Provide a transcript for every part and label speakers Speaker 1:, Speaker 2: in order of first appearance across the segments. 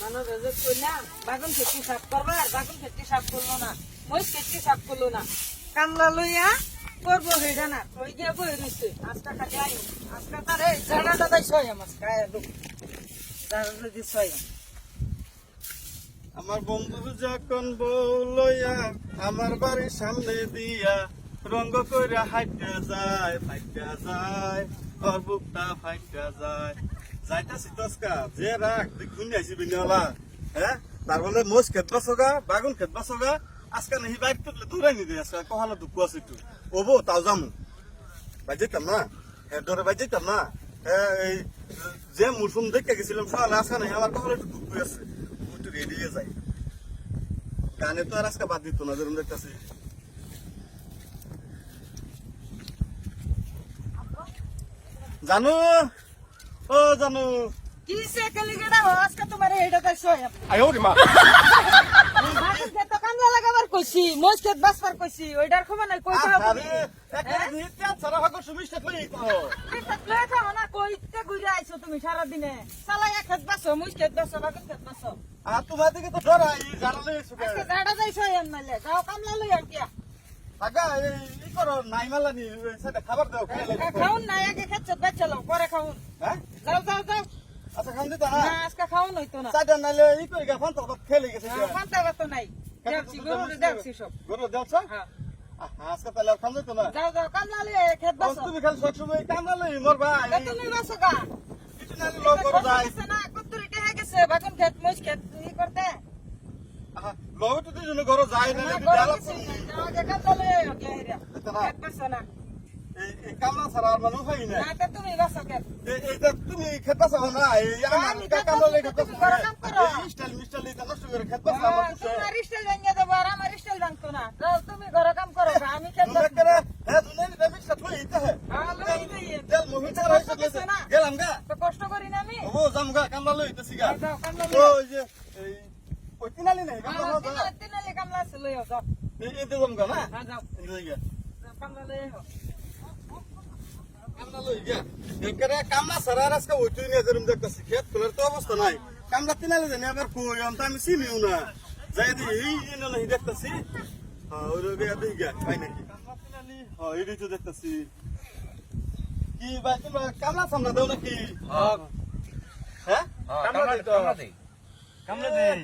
Speaker 1: মানুষ রোজক কইলা বাগুন খেতে সাফ করবে আর বাগুন খেতে সাফ করলো না মই খেতে সাফ করলো না কামলা লইয়া করবো হেডা না কই গিয়ে বই রইছে আজকা খালি আই আজকা তারে জানাটা দাই ছয় মাস খায় লোক জানাটা দি ছয়
Speaker 2: আমার বন্ধু যখন বউ লইয়া আমার বাড়ির সামনে দিয়া রঙ্গ কইরা হাইটা যায় ফাইটা যায় ওর বুকটা ফাইটা যায় যাইতাছি দশকা যে রাখ দেখুন আইসি বিনিওয়ালা হ্যাঁ তার বলে মোষ খেত বাসোগা বাগুন খেত বাসোগা আজকে নাহি বাইক তুললে দূরাই নি দে আজকে কহালো দুঃখ আছে একটু ওবো তাও যামু বাই যেতাম না হ্যাঁ ধরে বাই যেতাম না এই যে মৌসুম দেখে গেছিলাম সকালে আসা নাই আমার কখনো একটু দুঃখ আছে একটু রেডি হয়ে যাই গানে তো আর আজকে বাদ দিত না যেরকম দেখতেছি জানো ও জানো
Speaker 1: কি সে কালি গেডা আজকা তোমারে হেডা দাই ছয়
Speaker 2: আয়ো রে মা
Speaker 1: বাগুন খেতে কামলা লাগাবার কইছি মই খেত বাসবার কইছি ওইটার খবর নাই কইতে হবে
Speaker 2: আরে একটা নিতে ছাড়া ভাগ সুমিষ্ট কই তো
Speaker 1: কইতে ঘুরে আইছো তুমি সারা দিনে চালাই এক খেত বাসো মুই খেত বাসো বাগুন খেত বাসো
Speaker 2: আর তোমার দিকে তো ডরাই জানালে সুকে
Speaker 1: আজকে জাডা যাইছো এম নালে যাও কামলা লই আর কিয়া
Speaker 2: আগা এই করো নাই মালানি সেটা খাবার দাও খাইলে
Speaker 1: খাউন না আগে খেত বেচে লও পরে খাউন
Speaker 2: হ্যাঁ
Speaker 1: যাও যাও যাও
Speaker 2: আচ্ছা খান দিতা না
Speaker 1: না আজকে খাউন হইতো না
Speaker 2: চাটা নালে ই কই গা ফান্তা তো খেলে গেছে
Speaker 1: ফান্তা তো নাই দেখছি গরুরে দেখছি সব
Speaker 2: গরু দেওছ
Speaker 1: হ্যাঁ
Speaker 2: আজকে তাহলে আর খান দিত না
Speaker 1: যাও যাও কামলা লই খেত বাসো
Speaker 2: তুমি খালি সব সময় কামলা লই মোর ভাই
Speaker 1: তুমি বাসো গা
Speaker 2: কিছু নালে লোক করে যায়
Speaker 1: না কত্তুরি টেহা গেছে বাগুন খেত মুই খেত ই করতে
Speaker 2: লোক তো দুজন ঘর যায় না
Speaker 1: না
Speaker 2: যদি
Speaker 1: গরু
Speaker 2: আলাপ
Speaker 1: কিছু নাই, যাও আগে কামলা লই আইও কে হেরিয়া খেত বাসো না
Speaker 2: এই কামলা ছাড়া আর মানুষ হয় না
Speaker 1: না তে তুমি বাসো খেত
Speaker 2: এইটা তুমি খেত বাসা না এই আমার
Speaker 1: আমি
Speaker 2: কামলা লই
Speaker 1: খেত
Speaker 2: খেত
Speaker 1: বাসা, তুমি ঘরে কাম করো।
Speaker 2: এই স্টাইল মিস্টাইল এটা নষ্ট করে খেত বাসা আমার কিছু
Speaker 1: তোমার স্টাইল ভেঙে দেবো আর আমার স্টাইল ভাঙতো না যাও তুমি ঘরে কাম করো গা, আমি খেত
Speaker 2: তুমি
Speaker 1: বাসো।
Speaker 2: করে হ্যাঁ দুনিয়া এটা মিক্সা তুই এটা হে
Speaker 1: হ্যাঁ, লই দিই।
Speaker 2: তেল মুহি ছাড়া হইছে গেছে গেলাম গা
Speaker 1: তো কষ্ট করি না আমি
Speaker 2: ও জাম গা কামলা লই ইতেছি গা
Speaker 1: যাও কামলা লই
Speaker 2: ওই যে এই ওই তিনালি নাই কামলা না যা
Speaker 1: তিনালি কামলা আছে লই আও, যাও
Speaker 2: এই এতে জাম গা না
Speaker 1: হ্যাঁ যাও
Speaker 2: এই গা
Speaker 1: যাও, কামলা লই আও।
Speaker 2: কামলা লই গা একরে কামলা ছাড়া আজকে ওই তুই নিয়ে যেরকম দেখতাছি খেত খোলার তো অবস্থা নাই কামলা তিনালি জানি আবার কই আমি তো আমি চিনিও না যাই দি এই এনে নাই দেখতাছি হ্যাঁ ওই রগে দেই গা পাই নাকি কামলা তিনালি হ্যাঁ এই তো দেখতাছি কি ভাই তোমরা কামলা সামনা দাও নাকি হ্যাঁ
Speaker 3: কামলা দেই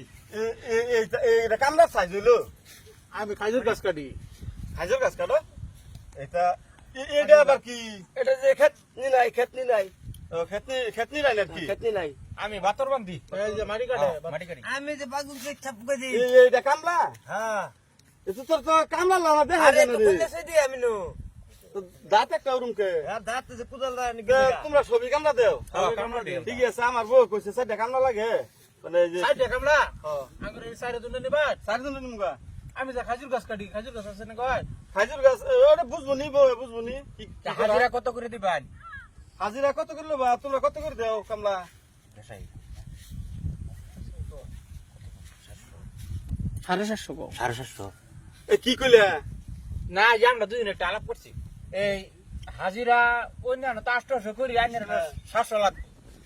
Speaker 2: এটা কামলা সাইজ হইলো
Speaker 3: আমি খাজুর গাছ কাটি
Speaker 2: হাজার গাছ কাটো এটা এটা আবার কি
Speaker 3: এটা যে খেত নি নাই
Speaker 2: খেতনি নাই নাকি
Speaker 3: খেত নি নাই আমি ভাতর বান্ধি এই যে মাটি কাটে মাটি কাটি
Speaker 1: আমি যে বাগুন কে ছাপ করে দিই
Speaker 2: এটা কামলা
Speaker 3: হ্যাঁ
Speaker 2: এটা তোর তো কামলা লাগা দেখা
Speaker 3: আরে
Speaker 2: যায়
Speaker 3: তো
Speaker 2: না রে
Speaker 3: বললে দি আমি নো
Speaker 2: দাঁত একটা ওরম কে
Speaker 3: আর দাঁত যে কুদাল দা নি
Speaker 2: তোমরা সবই কামলা দেও
Speaker 3: হ্যাঁ, কামলা দিই।
Speaker 2: ঠিক আছে আমার বউ কইছে সাইডে কামলা লাগে মানে এই যে
Speaker 3: সাইডে কামলা
Speaker 2: হ্যাঁ
Speaker 3: আঙ্গুর এই সাইডে দুনে নিবাত
Speaker 2: সারজন নিমগা
Speaker 3: আমি যে খাজুর গাছ কাটি খাজুর গাছ আছে না কয়
Speaker 2: হাজির গাছ ওটা বুঝবো নি বউ বুঝবো নি
Speaker 3: হাজিরা কত করে দিবেন
Speaker 2: হাজিরা কত করলো বা তোমরা কত করে দেও কামলা
Speaker 3: দেখাই
Speaker 1: 750
Speaker 3: 750
Speaker 2: এ কি কইলা
Speaker 3: না আমরা দুদিন একটা আলাপ করছি এই হাজিরা অন্যান্য তো 800 করি আইনের 700 লাখ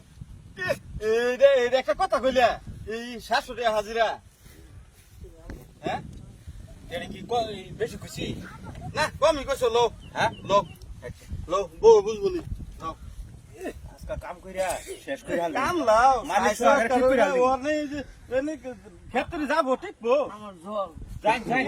Speaker 2: এটা একটা কথা কইলা এই 700 টাকা হাজিরা হ্যাঁ
Speaker 3: এটা কি বেশি খুশি
Speaker 2: না কমই কইছো লো
Speaker 3: হ্যাঁ
Speaker 2: লো লো বউ বুঝবো নি
Speaker 3: আজকে কাম কইরা শেষ করে হাল
Speaker 2: কাম লাও
Speaker 3: মালিক সরকার ঠিক করে আনলি।
Speaker 2: ওর নেই যে এনে ক্ষেত্রে যাবো ঠিকবো
Speaker 1: আমার জল
Speaker 3: যাই যাই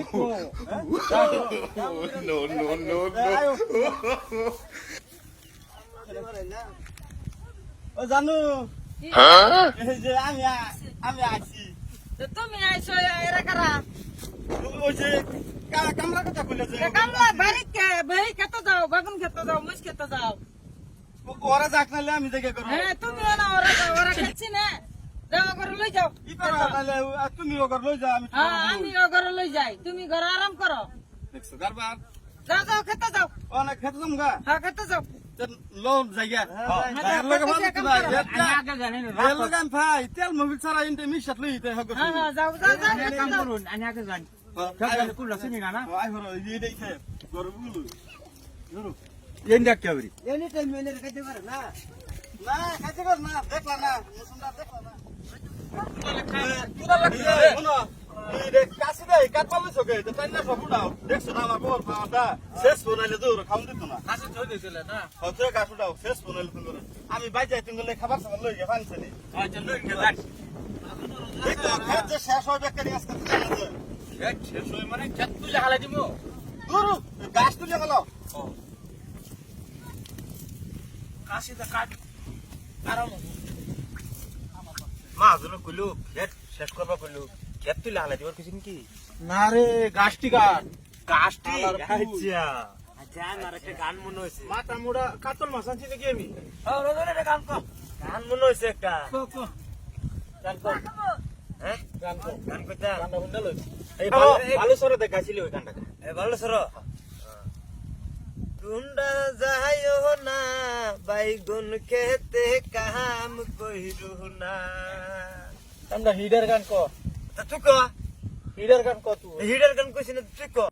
Speaker 2: ও জানু এই যে আমি আছি
Speaker 1: তো তুমি আইছো এরা কারা
Speaker 2: ওই যে কামলা কথা কইলে যে
Speaker 1: কামলা বাড়ি কে বাড়ি খেতে যাও বাগুন খেতে যাও মুস খেতে যাও
Speaker 2: ওরা যাক নালে আমি দেখে করবো
Speaker 1: হ্যাঁ তুমি না ওরা খেছি না যাও ঘরে লই যাও
Speaker 2: ই করো নালে তুমি ওগর লই যা আমি
Speaker 1: হ্যাঁ আমি ঘরে লই যাই তুমি ঘরে আরাম করো
Speaker 2: দেখছো কারবার
Speaker 1: যাও যাও খেতে যাও
Speaker 2: অনেক খেতে যামগা
Speaker 1: হ্যাঁ খেতে যাও
Speaker 2: লো জায়গা তেল মোবিল ছাড়া ইনতে মিশাত লই তে হগো
Speaker 1: হ্যাঁ হ্যাঁ যাও যাও যাও খেতে
Speaker 3: কাম
Speaker 1: যাও।
Speaker 3: করুন আমি আগে যাই কুল রাসিনি না
Speaker 2: আই হলো এই দেখে গরবুলু
Speaker 3: এন দেখ কে বরি
Speaker 1: এনি টাইম মেনে খাইতে পারে না
Speaker 2: না খাইতে কর না দেখলা না মুসুমদার দেখলা না শোনো কাশি দেয় কাট পারলে চোখে তাই না সব উঠাও দেখছো না আমার বর পাওয়াটা শেষ ফোনাইলে তো খাওয়ান দিত না
Speaker 3: কাছে থই দিছিল না
Speaker 2: হচ্ছে গাছ উঠাও শেষ ফোনাইলে তুমি আমি বাইরে তুমি খাবার সামান লই গিয়ে ফানছে নি
Speaker 3: আচ্ছা লই গেলাম
Speaker 2: এই তো খেত যে শেষ হয় বেকারি আজকে
Speaker 3: শেষ হই মানে খেত তুলে হালাই দিমু
Speaker 2: দূর গাছ তুলে গেল
Speaker 3: কাশিটা কাট আরাম মা জন্য কইলো খেত শেষ করবা কইলো খেত তুলে হালাই দিবার কিছু কি
Speaker 4: না রে গাছটি কাট
Speaker 3: কাশটি
Speaker 4: আলার পুত।
Speaker 3: আচ্ছা আচ্ছা আমার একটা গান মনে হইছে
Speaker 4: মাথা মোড়া কাতল মাছ আনছি নাকি আমি
Speaker 3: ও রোজরে রে গান কো গান মনে হইছে একটা
Speaker 4: গান কর
Speaker 3: হ্যাঁ
Speaker 4: গান কর
Speaker 3: গান কইতা
Speaker 4: গানটা শুনতে লই
Speaker 3: এই ভালো সরে দেখাইছিল ওই গানটা এই ভালো সর গুন্ডা যাইও না বাইগুন খেতে কাম কইরু না
Speaker 4: আমরা হিডার গান কর
Speaker 3: তা তুই কো
Speaker 4: হিডার গান কর তুই
Speaker 3: হিডার গান কইছিস না তুই কো